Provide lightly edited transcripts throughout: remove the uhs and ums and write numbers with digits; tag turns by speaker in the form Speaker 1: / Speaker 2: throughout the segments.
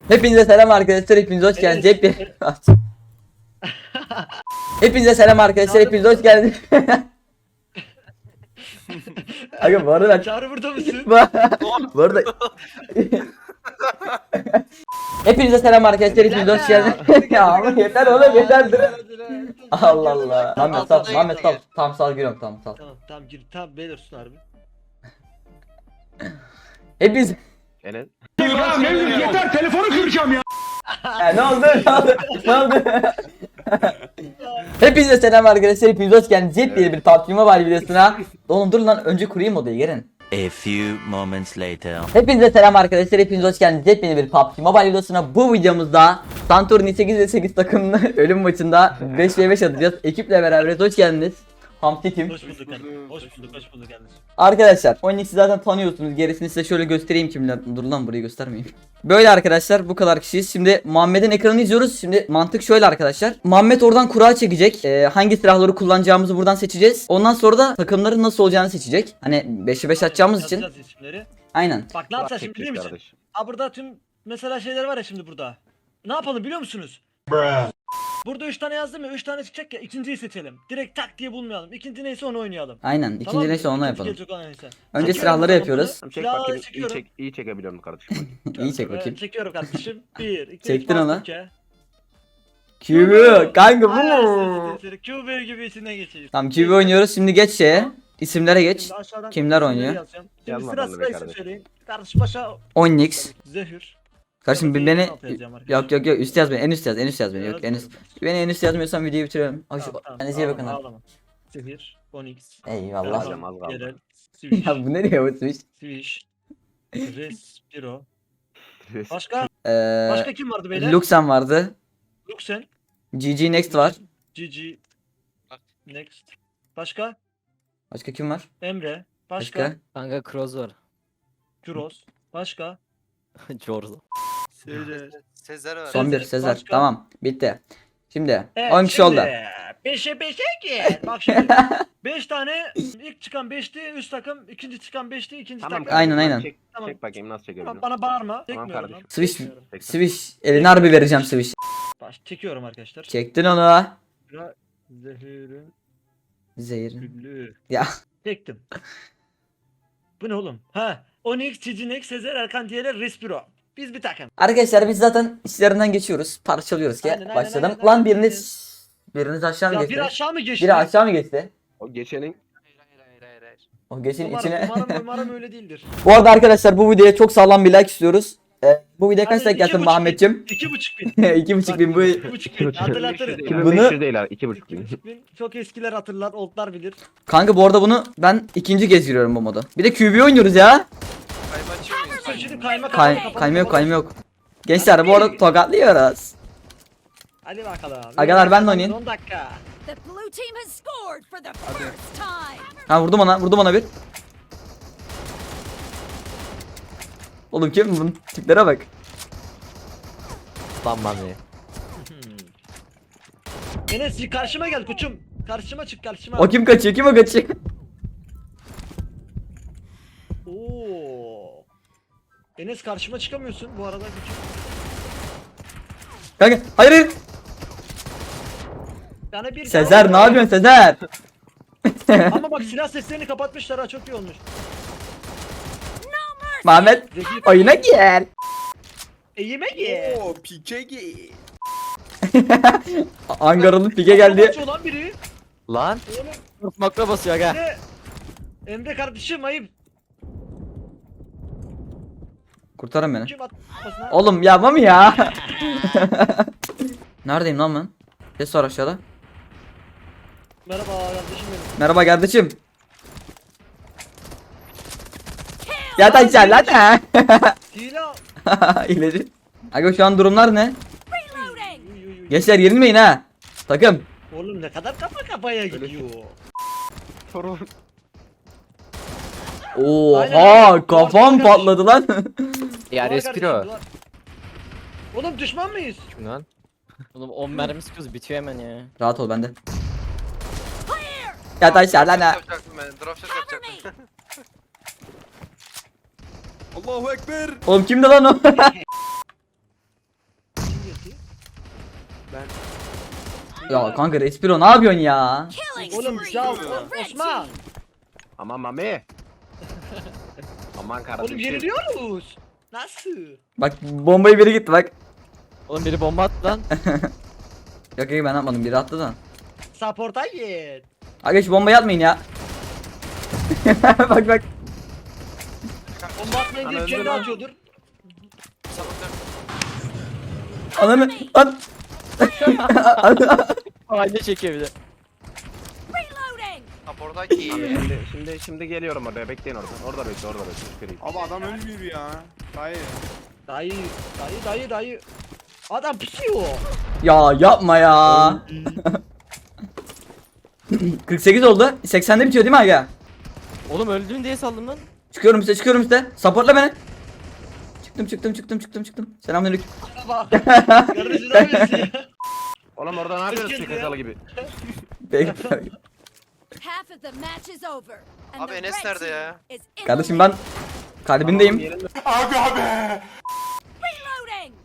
Speaker 1: Hepinize selam arkadaşlar, hepiniz hoş geldiniz. Hepinize selam arkadaşlar, hepiniz hoş geldiniz. Aga bu arada ben...
Speaker 2: Çağrı burada mısın?
Speaker 1: Bu arada... Hepinize selam arkadaşlar, hepiniz hoş geldiniz. Ya ama yeter oğlum, yeter. Allah Allah. Muhammed sal. Tamam sal giriyorum, tamam sal.
Speaker 2: Tamam gir. Tamam beyler sus harbi.
Speaker 1: Hepiniz...
Speaker 3: Enes.
Speaker 4: Ya Mevlüt yeter, telefonu kıracağım ya.
Speaker 1: Ne oldu? Ne oldu? Hepinize selam arkadaşlar, hepiniz hoş geldiniz. Yepyeni bir PUBG Mobile videosuna. Oğlum dur lan, önce kurayım odayı, gelin.
Speaker 5: A few moments later.
Speaker 1: Hepinize selam arkadaşlar, hepiniz hoş geldiniz. Yepyeni bir PUBG Mobile videosuna. Bu videomuzda Santorini 8 takımlı ölüm maçında 5v5 atacağız. Ekiple beraberiz, hoş geldiniz. Hamsi Team.
Speaker 2: Hoş bulduk kardeşim. Hoş bulduk kardeşim.
Speaker 1: Arkadaşlar Onyx'i zaten tanıyorsunuz. Gerisini size şöyle göstereyim kimler. Dur lan, burayı göstermeyeyim. Böyle arkadaşlar, bu kadar kişiyiz. Şimdi Muhammed'in ekranını izliyoruz. Şimdi mantık şöyle arkadaşlar. Muhammed oradan kura çekecek. Hangi silahları kullanacağımızı buradan seçeceğiz. Ondan sonra da takımların nasıl olacağını seçecek. Hani 5'e 5 atacağımız için.
Speaker 2: Yazacağız isimleri.
Speaker 1: Aynen.
Speaker 2: Bak ne yapacağız şimdi biliyor musun? Ha burada tüm mesela şeyler var ya şimdi burada. Ne yapalım biliyor musunuz? Burada 3 tane yazdım ya, 3 tane çıkacak ya, ikinciyi seçelim. Direkt tak diye bulmayalım. İkinci neyse onu oynayalım.
Speaker 1: Aynen. İkinci
Speaker 2: Tamam mı?
Speaker 1: neyse onu
Speaker 2: İkinci
Speaker 1: yapalım.
Speaker 2: gelecek olan neyse.
Speaker 1: Önce
Speaker 2: Çekiyorum
Speaker 1: silahları
Speaker 2: ben
Speaker 1: yapıyoruz.
Speaker 2: bunu.
Speaker 3: Çek
Speaker 2: Silahları
Speaker 3: bakayım.
Speaker 2: çekiyorum.
Speaker 3: İyi çekebiliyorum kardeşim.
Speaker 1: İyi çek bakayım.
Speaker 2: Çekiyorum kardeşim. 1, 2,
Speaker 1: Çektin onu.
Speaker 2: Kübü.
Speaker 1: QB kanka bu.
Speaker 2: Kübü gibi içine geçeceğiz.
Speaker 1: Tamam QB oynuyoruz. Şimdi geç şeye. İsimlere geç.
Speaker 2: Şimdi aşağıdan
Speaker 1: Kimler
Speaker 2: isimleri
Speaker 1: oynuyor?
Speaker 2: yazacağım. Şimdi
Speaker 3: Yazma
Speaker 2: sıra
Speaker 3: bana be
Speaker 2: sıra isim
Speaker 3: kardeşim.
Speaker 2: söyleyin. Kardeşim başa
Speaker 1: Onyx.
Speaker 2: Zehir.
Speaker 1: Kardeşim
Speaker 2: Sonra
Speaker 1: beni
Speaker 2: Zehir'in altı yazacağım arkadaşlar.
Speaker 1: yok üst yaz beni. En üst yaz beni. Yok en üst. Beni en üst yazmıyorsan videoyu bitiriyorum. Hoş. Kendinize iyi bakın.
Speaker 2: Ağlama. Zehir, Onyx.
Speaker 1: Eyvallah.
Speaker 3: Alacağım, az kaldı.
Speaker 2: Yerel. Swish.
Speaker 1: Ya bu ne diyor bu Switch?
Speaker 2: Swish. Respiro. Başka?
Speaker 1: Ee,
Speaker 2: Başka kim vardı beyler?
Speaker 1: Luxem vardı.
Speaker 2: Luxen.
Speaker 1: GG Next var.
Speaker 2: GG. Next. Başka?
Speaker 1: Başka kim var?
Speaker 2: Emre. Başka?
Speaker 1: Başka?
Speaker 6: Kanka Kroos var.
Speaker 2: Kuros. Başka?
Speaker 6: Jordan.
Speaker 7: Sezer var.
Speaker 1: Son bir Sezer.
Speaker 2: Başka?
Speaker 1: Tamam. Bitti. Şimdi
Speaker 2: Evet,
Speaker 1: 10 kişi oldu.
Speaker 2: 5'e 5'e ki. Bak şimdi. 5 tane ilk çıkan 5'ti üst takım, ikinci çıkan 5'ti ikinci
Speaker 3: Tamam.
Speaker 2: takım.
Speaker 1: Aynen.
Speaker 3: Çek,
Speaker 2: Tamam.
Speaker 3: çek bakayım nasıl
Speaker 2: Tamam,
Speaker 3: çekebiliyorum.
Speaker 2: bana bağırma.
Speaker 3: Tamam
Speaker 2: Çekmiyorum
Speaker 3: kardeşim.
Speaker 2: lan.
Speaker 1: Switch.
Speaker 2: Çekmiyorum.
Speaker 1: Switch. Elini harbi vereceğim Switch.
Speaker 2: Çekiyorum arkadaşlar.
Speaker 1: Çektin onu.
Speaker 2: Zehir'in
Speaker 1: Zehir.
Speaker 2: güllü.
Speaker 1: Ya.
Speaker 2: Çektim. Bu ne oğlum? Ha. Onyx, Ciginex, Sezer, Erkan diğerler Respiro. Biz bir takım.
Speaker 1: Arkadaşlar biz zaten işlerinden geçiyoruz. Parçalıyoruz ki.
Speaker 2: Aynen,
Speaker 1: Başladım.
Speaker 2: aynen.
Speaker 1: Lan biriniz aşağı mı
Speaker 2: Ya
Speaker 1: geçti?
Speaker 2: bir aşağı mı geçti?
Speaker 1: Biri aşağı mı geçti?
Speaker 3: O geçenin
Speaker 7: Hayır.
Speaker 1: O geçin içine.
Speaker 2: Umarım öyle değildir.
Speaker 1: Bu arada arkadaşlar bu videoya çok sağlam bir like istiyoruz. Bu videoya kaç
Speaker 2: Hadi,
Speaker 1: like gelsin
Speaker 2: 2,5
Speaker 1: Muhammedciğim?
Speaker 2: 2,5 bin.
Speaker 1: 2,5 bin bu.
Speaker 2: 2,5 bin. Hatırlatırım.
Speaker 3: 2500 değil abi 2,5 bin.
Speaker 2: 2,5 bin. Çok eskiler hatırlar, oldlar bilir.
Speaker 1: Kanka bu arada bunu ben ikinci kez giriyorum bu modu. Bir de QB oynuyoruz ya.
Speaker 7: Kayma açıyor muyuz?
Speaker 2: Şimdi kayma
Speaker 1: Kayma yok. Gençler bu arada tokatlıyoruz.
Speaker 2: Hadi bakalım.
Speaker 1: Agalar, ben de oynayayım.
Speaker 2: 10 dakika.
Speaker 8: The blue team has scored for the first time.
Speaker 1: Ha vurdum ona bir. Oğlum kim bunun tiplere bak.
Speaker 6: Lan mami.
Speaker 2: Enes karşıma gel koçum. Karşıma çık karşıma.
Speaker 1: O kim kaçıyor?
Speaker 2: Oo. Enes karşıma çıkamıyorsun bu arada küçük.
Speaker 1: Kanka hayır.
Speaker 2: Yani bir
Speaker 1: Sezer ne yapıyorsun Sezer?
Speaker 2: Ama bak silah seslerini kapatmışlar ha, çok iyi olmuş.
Speaker 1: Muhammed
Speaker 2: Zeki
Speaker 1: oyuna gel.
Speaker 2: yemek ye.
Speaker 7: Oo Pikegi.
Speaker 1: Angaralı pike geldi.
Speaker 2: Kaçıyor lan biri.
Speaker 6: Lan.
Speaker 2: Oğlum
Speaker 6: Makro basıyor aga.
Speaker 2: Emre kardeşim ayıp.
Speaker 1: Kurtarın beni.
Speaker 2: Kim atmasına?
Speaker 1: Oğlum yapma mı ya? Neredeyim lan ben? Ses var aşağıda.
Speaker 2: Merhaba kardeşim benim.
Speaker 1: Merhaba kardeşim. Ya da sen lan ha.
Speaker 2: Hile.
Speaker 1: İleri. Aga şu an durumlar ne?
Speaker 8: Reloading.
Speaker 2: Uy, uy, uy.
Speaker 1: Gençler yenilmeyin ha. Takım.
Speaker 2: Oğlum ne kadar kafa kafaya gidiyor.
Speaker 3: Sorun.
Speaker 1: Oha kafam patladı lan.
Speaker 6: Ya
Speaker 2: Duvar
Speaker 6: Respiro.
Speaker 2: kardeşim, duvar. Oğlum düşman mıyız?
Speaker 6: Kim lan? Oğlum 10 mermi sıkıyoruz bitiyor hemen ya.
Speaker 1: Rahat ol bende. Ya da sen lan ha.
Speaker 7: Yapacaktım ben. Drop shot yapacaktım. Allahu Ekber.
Speaker 1: Oğlum kimdi lan o?
Speaker 2: yatıyor?
Speaker 1: Ya kanka Respiro ne yapıyorsun ya?
Speaker 8: Killing
Speaker 2: Oğlum
Speaker 8: spree
Speaker 2: ya
Speaker 8: for the red
Speaker 2: Osman.
Speaker 8: team.
Speaker 3: Aman mami. Aman kardeşim.
Speaker 2: Oğlum yeniliyoruz. Nasıl?
Speaker 1: Bak bombayı biri gitti bak.
Speaker 6: Oğlum biri bomba attı lan.
Speaker 1: Yok yok ben atmadım biri attı da.
Speaker 2: Support'a git.
Speaker 1: Aga şu bombayı atmayın ya. Bak bak.
Speaker 2: Bomba atmayın diye
Speaker 3: Ana,
Speaker 2: kendi
Speaker 3: öldür lan.
Speaker 2: atıyordur.
Speaker 1: Ananı at.
Speaker 6: Aile çekiyor bir de.
Speaker 8: Reloading.
Speaker 7: Support'taki.
Speaker 3: Şimdi geliyorum oraya. Bekleyin orada. Orada bekle. Çıkarayım.
Speaker 4: Abi adam ölmüyor ya. Dayı.
Speaker 2: Dayı. Adam pişiyor.
Speaker 1: Ya yapma ya. 48 oldu. 80'de bitiyor değil mi aga?
Speaker 6: Oğlum öldüm diye saldım lan.
Speaker 1: Çıkıyorum size. Supportla beni. Çıktım. Selamünaleyküm.
Speaker 2: Bak. Kardeşim ne yapıyorsun ya?
Speaker 3: Oğlum orada ne yapıyorsun
Speaker 2: Kız geldi
Speaker 3: çakalı gibi?
Speaker 1: Peki.
Speaker 8: Half of the match is over. And
Speaker 7: Abi
Speaker 8: the
Speaker 7: Enes
Speaker 8: red
Speaker 7: nerede
Speaker 8: team
Speaker 7: ya?
Speaker 8: is in
Speaker 1: Kardeşim
Speaker 8: the
Speaker 1: ben
Speaker 8: lead.
Speaker 1: kalbindeyim.
Speaker 8: Reloading.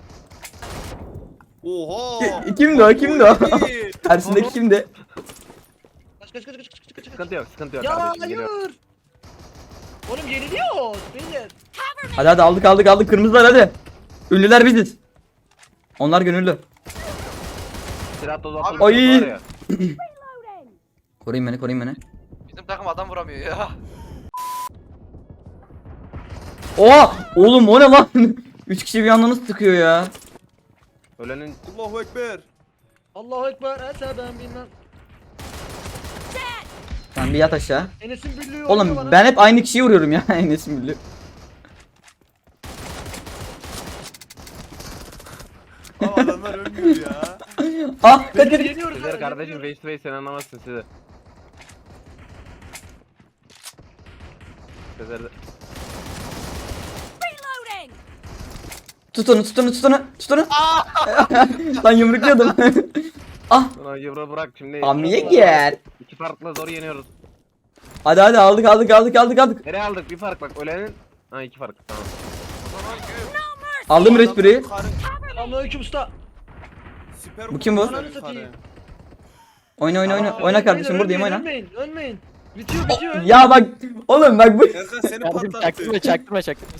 Speaker 4: Oha.
Speaker 1: Kimdi o? Tersindeki kimdi?
Speaker 2: Kaç.
Speaker 3: Sıkıntı yok
Speaker 2: Ya
Speaker 3: kardeşim. Geliyorum.
Speaker 2: hayır. Oğlum yeniliyoruz. Beyler.
Speaker 8: Cover me.
Speaker 1: Hadi aldık kırmızılar hadi. Ünlüler biziz. Onlar gönüllü.
Speaker 3: Silah tozu
Speaker 7: Abi-
Speaker 3: atılmış
Speaker 1: Ay.
Speaker 3: var ya.
Speaker 8: Reloading.
Speaker 1: Koruyun beni.
Speaker 7: Bizim takım adam vuramıyor ya.
Speaker 1: Oha! Oğlum o ne lan? 3 kişi bir anda nasıl sıkıyor ya?
Speaker 3: Ölenin
Speaker 4: Allahu Ekber.
Speaker 2: Allahu Ekber. Ese ben bilmem.
Speaker 8: Dead.
Speaker 1: Sen bir yat aşağı.
Speaker 2: Enes'in büllüğü oynuyor
Speaker 1: Oğlum
Speaker 2: bana.
Speaker 1: ben hep aynı kişiyi vuruyorum ya. Enes'in bildi.
Speaker 4: Abi adamlar ölmüyor ya.
Speaker 1: Ah kaçır.
Speaker 2: Yeniyoruz
Speaker 3: sizler
Speaker 2: lan,
Speaker 3: kardeşim
Speaker 2: yeniyoruz.
Speaker 3: face to face sen anlamazsın sizi. Sizler de...
Speaker 8: Reloading.
Speaker 1: Tut onu. Lan yumrukluyordum. Ah.
Speaker 3: Ulan yavru bırak şimdi.
Speaker 1: Amiye gel.
Speaker 3: İki farkla zor yeniyoruz.
Speaker 1: Hadi aldık.
Speaker 3: Nereye aldık? Bir fark bak ölenin. Ha iki fark tamam.
Speaker 7: O zaman güm.
Speaker 1: Aldım respireyi.
Speaker 2: Selamünaleyküm usta.
Speaker 4: Süper
Speaker 1: Bu kim bu?
Speaker 2: Ananı satayım.
Speaker 1: Oyna.
Speaker 2: Aa,
Speaker 1: Oyna kardeşim buradayım oyna.
Speaker 2: Ölmeyin. Bitiyor.
Speaker 1: Ya bak oğlum bak bu.
Speaker 4: Erkan seni
Speaker 6: Kardeşim
Speaker 4: patlattı.
Speaker 6: çaktırma.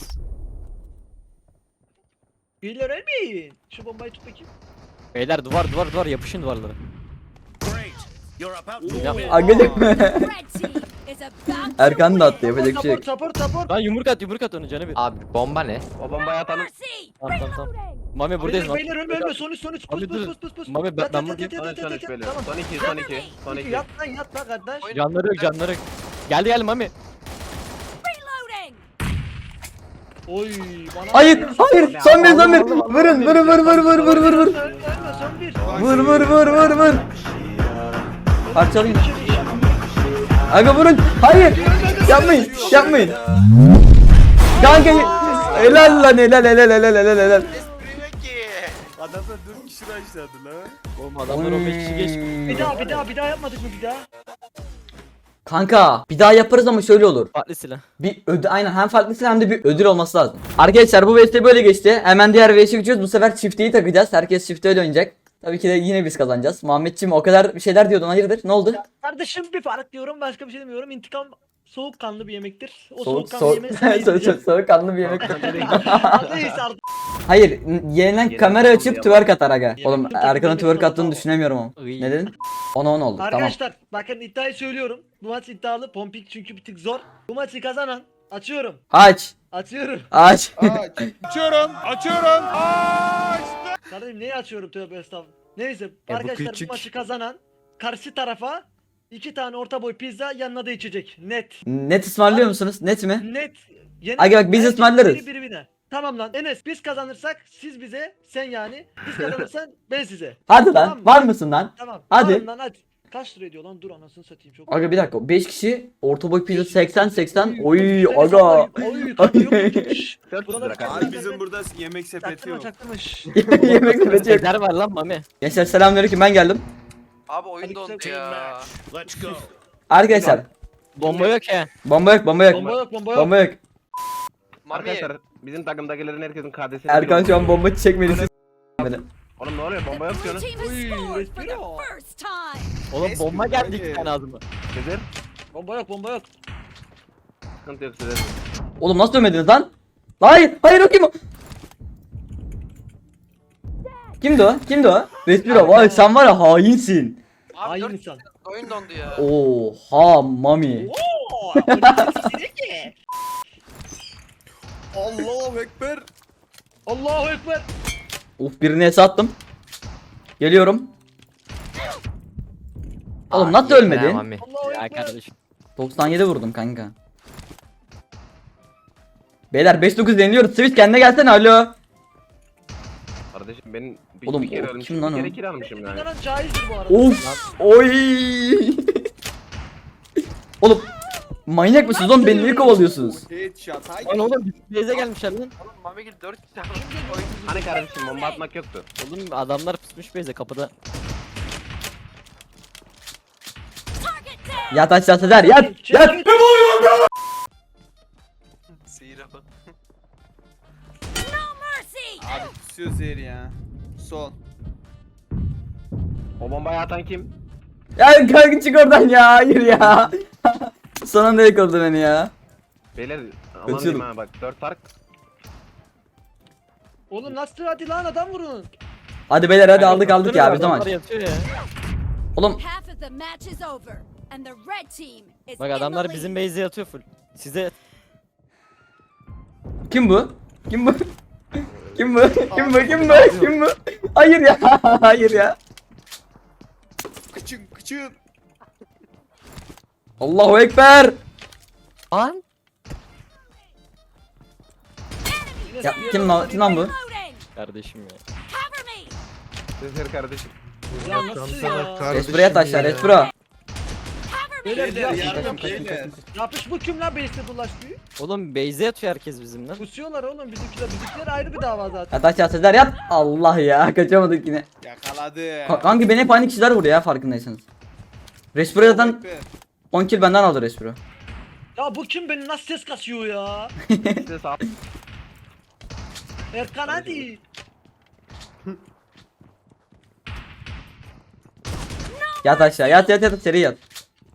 Speaker 2: Beyler ölmeyin. Şu bombayı tut bakayım.
Speaker 6: Beyler duvar yapışın duvarlara. Ya,
Speaker 1: Agacık mı?
Speaker 8: Red team is about to
Speaker 1: Erkan da attı
Speaker 8: win.
Speaker 1: yapacak bir şey yok.
Speaker 2: Support.
Speaker 6: lan yumruk at onu canı bir.
Speaker 9: Abi bomba ne?
Speaker 3: O bombayı atalım.
Speaker 8: Mercy.
Speaker 6: Tamam.
Speaker 8: Reloading.
Speaker 6: Mami buradayız lan.
Speaker 2: Beyler ölme. Son üç.
Speaker 6: Abi dur.
Speaker 2: Pus.
Speaker 6: Mami, ben buradayım.
Speaker 3: Son üç böyle.
Speaker 2: Tamam.
Speaker 3: Son iki.
Speaker 2: Yat lan kardeş.
Speaker 6: Canları yok. Geldi Mami.
Speaker 8: Reloading.
Speaker 2: Oy bana.
Speaker 1: Hayır. Son bir. Vurun.
Speaker 2: Ölme son bir.
Speaker 1: Vur. Parçalayın. Aga vurun. Hayır. Yapmayın. Kanka helal lan helal.
Speaker 7: Esprime ki.
Speaker 4: Adamlar 4 kişi başladı lan.
Speaker 6: Oğlum adamlar 15 kişi geçti.
Speaker 2: Bir daha yapmadık mı bir daha?
Speaker 1: Kanka bir daha yaparız ama şöyle olur.
Speaker 6: Farklı silah.
Speaker 1: Bir ödül aynen hem farklısı hem de bir ödül olması lazım. Arkadaşlar bu VS böyle geçti. Hemen diğer VS'e geçiyoruz. Bu sefer çifteyi takacağız. Herkes çifte öyle oynayacak. Tabii ki de yine biz kazanacağız. Muhammedciğim o kadar bir şeyler diyordun hayırdır? Ne oldu?
Speaker 2: Kardeşim bir fark diyorum başka bir şey demiyorum. İntikam soğukkanlı bir yemektir. O
Speaker 1: Soğuk
Speaker 2: soğukkanlı yemeği sen yiyeceksin.
Speaker 1: soğukkanlı bir yemek.
Speaker 2: Neyse artık.
Speaker 1: Hayır, yenilen kamera açıp twerk atar aga. Oğlum
Speaker 2: Yemek
Speaker 1: Erkan'ın twerk attığını
Speaker 2: tamam.
Speaker 1: düşünemiyorum ama.
Speaker 6: Iy.
Speaker 1: Ne dedin? 10'a 10 oldu. Tamam.
Speaker 2: Arkadaşlar bakın iddiayı söylüyorum. Bu maç iddialı. Pompik çünkü bir tık zor. Bu maçı kazanan açıyorum. Açıyorum.
Speaker 1: Aç.
Speaker 4: Açıyorum.
Speaker 2: Kardeşim neyi açıyorum tövbe estağfurullah. Neyse
Speaker 6: bu
Speaker 2: arkadaşlar
Speaker 6: küçük.
Speaker 2: bu maçı kazanan karşı tarafa 2 tane orta boy pizza yanına da içecek. Net.
Speaker 1: Net ısmarlıyor musunuz? Net mi?
Speaker 2: Net.
Speaker 1: Aga bak biz
Speaker 2: Herkes
Speaker 1: ısmarlarız.
Speaker 2: biri birine. Tamam lan Enes biz kazanırsak siz bize sen yani. Biz kazanırsan ben size.
Speaker 1: Hadi
Speaker 2: Tamam
Speaker 1: lan.
Speaker 2: mı?
Speaker 1: Var mısın lan?
Speaker 2: Tamam.
Speaker 1: Hadi.
Speaker 2: Tamam lan hadi. Kaç lira ediyor lan? Dur anasını satayım çok.
Speaker 1: Aga bir dakika. 5 kişi orta boy pizza 80. Oy
Speaker 2: Enes,
Speaker 1: aga.
Speaker 2: Oy tabii yok yok. Şşş.
Speaker 3: 400
Speaker 2: Buralar
Speaker 3: lira
Speaker 2: kaç-
Speaker 3: kardeşim.
Speaker 4: Abi bizim burada yemek sepeti yok.
Speaker 2: Çaktırmış.
Speaker 1: Yemek sepeti yok.
Speaker 6: Eder var lan Mami.
Speaker 1: Gençler selamünaleyküm ben geldim.
Speaker 7: Abi oyun
Speaker 2: Hadi
Speaker 7: dondu
Speaker 2: güzel
Speaker 7: ya.
Speaker 1: Arkadaşlar
Speaker 6: Bomba yok he.
Speaker 1: bomba yok.
Speaker 2: Bomba yok bomba yok.
Speaker 1: Bomba yok.
Speaker 7: Mami.
Speaker 3: Arkadaşlar bizim takımdakilerin herkesin KD'sini
Speaker 1: Erkan şu an bomba çekmedi. Böyle.
Speaker 3: Oğlum ne oluyor? Bomba yok
Speaker 8: Blue
Speaker 3: diyorsun.
Speaker 8: team has
Speaker 2: Uy,
Speaker 8: scored for the
Speaker 2: respiro.
Speaker 8: first time.
Speaker 6: Oğlum
Speaker 4: Eski
Speaker 6: bomba geldi
Speaker 4: bence.
Speaker 6: 2 tane ağzıma.
Speaker 3: Sezer.
Speaker 2: Bomba yok bomba yok.
Speaker 3: Sıkıntı yok Sezer.
Speaker 1: Oğlum nasıl dönmediniz lan? Hayır, hayır o kim o? Kimdi o? Kimdi o? Respiro, vay sen var ya hainsin.
Speaker 7: Abi
Speaker 2: Hain
Speaker 7: 4
Speaker 2: insan.
Speaker 7: oyun dondu ya.
Speaker 1: Oha mami.
Speaker 2: Oo, o ne ki?
Speaker 4: Allahu Ekber.
Speaker 2: Allahu ekber.
Speaker 1: Uf birini es attım. Geliyorum. Oğlum nasıl ölmedin?
Speaker 6: Mami.
Speaker 2: Allahu
Speaker 6: Ya
Speaker 2: ekber.
Speaker 6: kardeşim.
Speaker 1: 97 vurdum kanka. Beyler 5-9 deniliyoruz. Switch kendine gelsene alo.
Speaker 3: Kardeşim ben
Speaker 1: Oğlum,
Speaker 3: bir kere
Speaker 1: o
Speaker 3: ölmüşüm.
Speaker 1: kim lan
Speaker 3: Bir
Speaker 1: o?
Speaker 3: kere kill almışım yani.
Speaker 2: Bunların caizdir bu arada.
Speaker 1: Of. Oy. Oğlum manyak mısınız oğlum beni niye kovalıyorsunuz?
Speaker 4: Headshot. Haydi.
Speaker 6: Lan oğlum base'e gelmişler lan.
Speaker 7: Oğlum Mamigil 4 kişi almış. Oyun
Speaker 3: Hani kardeşim bomba atmak yoktu.
Speaker 6: Oğlum adamlar pusmuş base'e kapıda.
Speaker 8: Target down.
Speaker 1: Yat aşağı Sezer yat. Yat.
Speaker 7: seyir bak.
Speaker 8: No mercy.
Speaker 4: Abi kusuyor zehir ya. Son.
Speaker 3: O bombayı atan kim?
Speaker 1: Ya kanka çık oradan ya. Hayır ya. Son anda yakaladı beni ya.
Speaker 3: Beyler aman
Speaker 1: Kaçıyorum.
Speaker 3: diyeyim ha bak 4 fark.
Speaker 2: Oğlum nasıl hadi lan adam vurun.
Speaker 1: Hadi beyler hadi aldık aldık ya biz de maç.
Speaker 6: Adamlar yatıyor ya.
Speaker 1: Oğlum
Speaker 8: Half of the match is over, and the red team is
Speaker 6: Bak
Speaker 8: in
Speaker 6: adamlar
Speaker 8: the
Speaker 6: bizim
Speaker 8: lead.
Speaker 6: base'e yatıyor full. Size
Speaker 1: kim bu? Kim bu? Kim bu? Kim bu? Kim bu? Kim bu? Hayır ya. Hayır ya.
Speaker 4: Kıçın kıçın.
Speaker 1: Allahu ekber.
Speaker 6: An?
Speaker 1: Ya kim lan, kim lan bu?
Speaker 8: Reloading.
Speaker 6: Kardeşim ya.
Speaker 8: Cover me.
Speaker 3: Sezer kardeşim.
Speaker 2: Ya nasıl ya?
Speaker 1: Respiro yat aşağı Respiro.
Speaker 8: Cover me.
Speaker 2: Beyler
Speaker 4: Beyler
Speaker 2: ya.
Speaker 4: yardım beyler.
Speaker 2: Yapış bu kim lan base'de bulaştı?
Speaker 6: Oğlum base'e yatıyor herkes bizim lan.
Speaker 2: Kusuyorlar oğlum bizimkiler ayrı bir dava zaten.
Speaker 1: Yat aşağı Sezer yat. Allah ya kaçamadık yine.
Speaker 4: Yakaladı.
Speaker 1: Kanka beni hep aynı kişiler vuruyor ya farkındaysanız. Respiro'dan
Speaker 4: Ekber.
Speaker 1: 10 kill benden aldı Respiro.
Speaker 2: Ya bu kim beni nasıl ses kasıyor ya?
Speaker 3: Size sağ.
Speaker 2: Erkan hadi.
Speaker 1: Yat aşağı yat yat yat seri yat.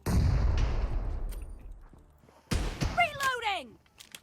Speaker 8: Reloading.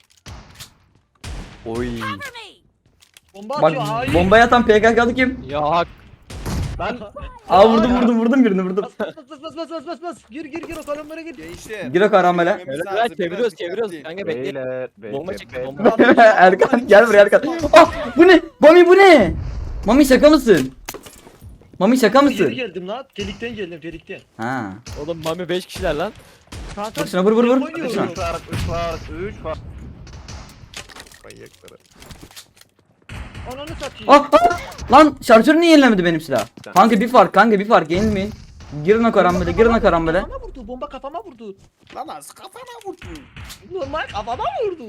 Speaker 6: Oy.
Speaker 8: Cover me.
Speaker 2: Bomba
Speaker 1: Bak
Speaker 2: atıyor hayır.
Speaker 1: bomba yatan PKK'lı kim?
Speaker 6: Ya hak.
Speaker 3: Lan
Speaker 1: Aa vurdum birini vurdum.
Speaker 2: Bas. Gir o kalemlere gir.
Speaker 4: Gençler.
Speaker 1: Gir o karamele.
Speaker 4: Yememiz
Speaker 6: Öyle
Speaker 4: lazım,
Speaker 6: çeviriyoruz
Speaker 4: biraz
Speaker 6: çeviriyoruz.
Speaker 4: dikkatli.
Speaker 6: Kanka bekle.
Speaker 3: beyler.
Speaker 6: Bomba
Speaker 3: bekle,
Speaker 6: çekti
Speaker 3: bekle.
Speaker 6: bomba.
Speaker 1: Erkan gel buraya Erkan. Ah bu ne? Mami bu ne? Mami şaka mısın? Mami şaka
Speaker 2: Geri
Speaker 1: mısın?
Speaker 2: geldim lan. Delikten geldim delikten.
Speaker 1: Ha.
Speaker 6: Oğlum Mami 5 kişiler lan.
Speaker 2: Kanka.
Speaker 1: Vur şuna vur.
Speaker 2: oynuyorum.
Speaker 1: Vur şuna.
Speaker 3: 3 fark 3 fark 3 fark. Manyakları.
Speaker 2: Ananı satayım.
Speaker 1: Ah. Lan şarjörü niye yenilemedi benim silah? Kanka bir fark yenilmeyin. Girin o karambole.
Speaker 2: Kafama vurdu. Bomba kafama vurdu.
Speaker 4: Lan az kafana vurdu.
Speaker 2: Normal kafama vurdu.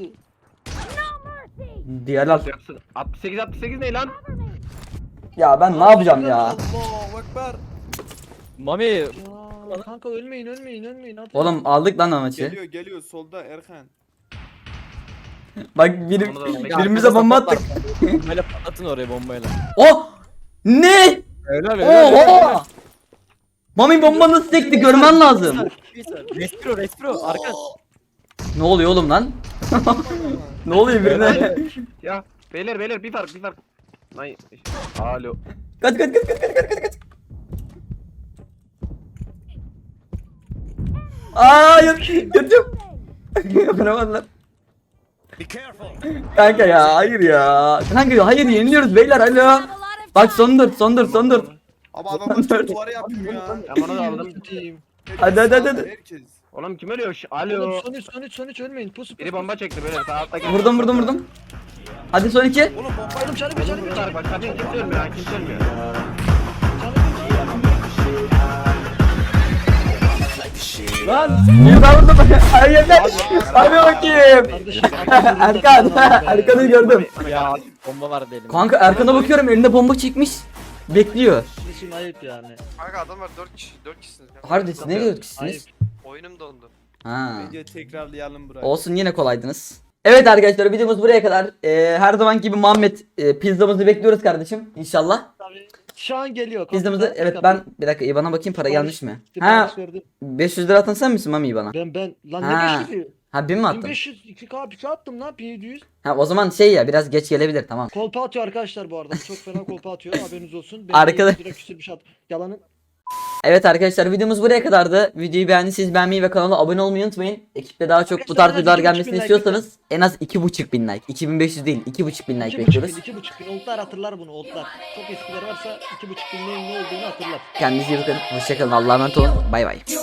Speaker 1: Diğer al.
Speaker 3: Yapsın. 68 ne lan?
Speaker 1: Ya ben ne yapacağım ya?
Speaker 4: Allahu Ekber.
Speaker 6: Mami
Speaker 2: Ya kanka ölmeyin. Hadi.
Speaker 1: Oğlum aldık lan o maçı.
Speaker 4: Geliyor solda Erkan.
Speaker 1: Bak birimize bomba attık.
Speaker 6: bombayla patlatın oraya bombayla.
Speaker 1: Oh! Ne?
Speaker 6: Öyle
Speaker 1: Oha! Mami bomba nasıl sekti görmen lazım.
Speaker 6: Respiro arka.
Speaker 1: Ne oluyor oğlum lan? Ne oluyor birine?
Speaker 3: Ya beyler bir fark. Lan alo.
Speaker 1: Kaç. Aa yatıyorum. Yapamadılar. Kanka ya hayır ya. Kanka hayır yeniliyoruz beyler alo.
Speaker 8: Have a lot of
Speaker 1: Bak
Speaker 8: time.
Speaker 1: son 4.
Speaker 4: Ama adamlar çok duvara yapıyor ya.
Speaker 3: Ben onu da aldım.
Speaker 2: Satayım.
Speaker 1: Hadi.
Speaker 4: Herkes.
Speaker 3: Oğlum kim ölüyor?
Speaker 2: Oğlum
Speaker 3: Alo.
Speaker 2: son üç ölmeyin. Pusu.
Speaker 3: Biri bomba çekti beyler sağ alttaki.
Speaker 1: Vurdum. Hadi son 2.
Speaker 2: Oğlum bombaydım canım.
Speaker 3: Bir fark bak zaten kimse ölmüyor ha kimse ölmüyor.
Speaker 1: Lan bir daha vurdum. Hayır lan. Hadi bakayım. Erkan'ı gördüm.
Speaker 6: Ya bomba var elimde.
Speaker 1: Kanka Erkan'a bakıyorum elinde bomba çekmiş. Bekliyor.
Speaker 2: Kardeşim ayıp yani.
Speaker 7: Kanka adamlar 4 kişisiniz.
Speaker 1: Harbi siz ne diyorsunuz?
Speaker 2: Ayıp.
Speaker 7: Oyunum dondu.
Speaker 1: Ha.
Speaker 4: Bence tekrarlayalım burayı.
Speaker 1: Olsun yine kolaydınız. Evet arkadaşlar videomuz buraya kadar. Her zaman gibi Muhammed pizzamızı bekliyoruz kardeşim inşallah.
Speaker 2: Tabii. Şu an geliyor.
Speaker 1: Pizzamızı
Speaker 2: Kapıda,
Speaker 1: evet
Speaker 2: kapı.
Speaker 1: ben bir dakika IBAN'a bakayım para
Speaker 2: Sipariş-
Speaker 1: gelmiş mi?
Speaker 2: sipariş
Speaker 1: Ha
Speaker 2: verdim.
Speaker 1: 500 lira atan sen misin Mami IBAN'a?
Speaker 2: Ben lan
Speaker 1: Ha.
Speaker 2: ne 500'ü?
Speaker 1: Ha 1000 mi attın?
Speaker 2: 1500 2K bir şey attım lan 1700.
Speaker 1: Ha o zaman şey ya biraz geç gelebilir tamam.
Speaker 2: Kolpa atıyor arkadaşlar bu arada. Çok fena kolpa atıyor. Haberiniz olsun.
Speaker 1: Arkadaş-
Speaker 2: 200 lira küsür bir şey at. Yalanın.
Speaker 1: Evet arkadaşlar videomuz buraya kadardı. Videoyu beğendiyseniz beğenmeyi ve kanala abone olmayı unutmayın. Ekiple daha çok bu tarz
Speaker 2: Arkadaşlar,
Speaker 1: videolar
Speaker 2: 2.500
Speaker 1: gelmesini
Speaker 2: like
Speaker 1: istiyorsanız en az 2.500 like. 2500 değil 2.500 like
Speaker 2: 2,5
Speaker 1: bekliyoruz.
Speaker 2: bin, 2,5 bin. Oldlar hatırlar bunu oldlar. Çok eskiler varsa 2,5 bin neyin ne olduğunu hatırlar.
Speaker 1: Kendinize iyi bakın. Hoşçakalın. Allah'a emanet olun. Bay bay.